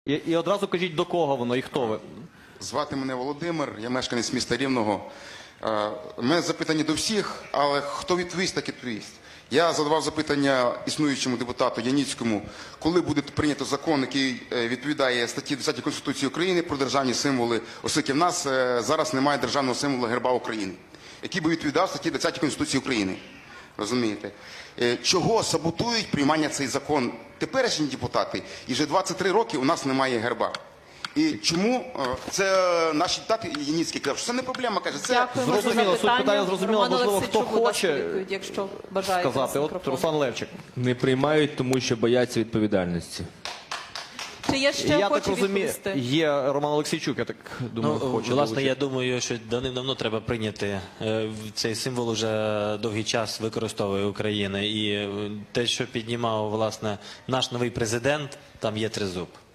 І одразу кажіть, до кого воно і хто ви. Звати мене Володимир, я мешканець міста Рівного. У мене запитання до всіх, але хто відповість, так і відповість. Я задавав запитання існуючому депутату Яніцькому, коли буде прийнято закон, який відповідає статті 10 Конституції України про державні символи, оскільки в нас зараз немає державного символу герба України, який би відповідав статті 10 Конституції України. Розумієте? Чого саботують приймання цей закон теперішні депутати? І вже 23 роки у нас немає герба. І чому це наші депутати Яніцький казав, що це не проблема, каже, це... Дякуємо за Зрозуміло, суть питання зрозуміла, Роман можливо, хто Олексійчук, будь ласка, хоче відповідь, якщо бажаєте. сказати. вас От мікрофон. Руслан Левчик. Не приймають, тому що бояться відповідальності. Чи є ще Я так охочі розумію, відповісти? є Роман Олексійчук, я так думаю, хоче Власне, долучитися. я думаю, що давним-давно треба прийняти. Цей символ уже довгий час використовує Україна. І те, що піднімав, власне, наш новий президент, там є тризуб.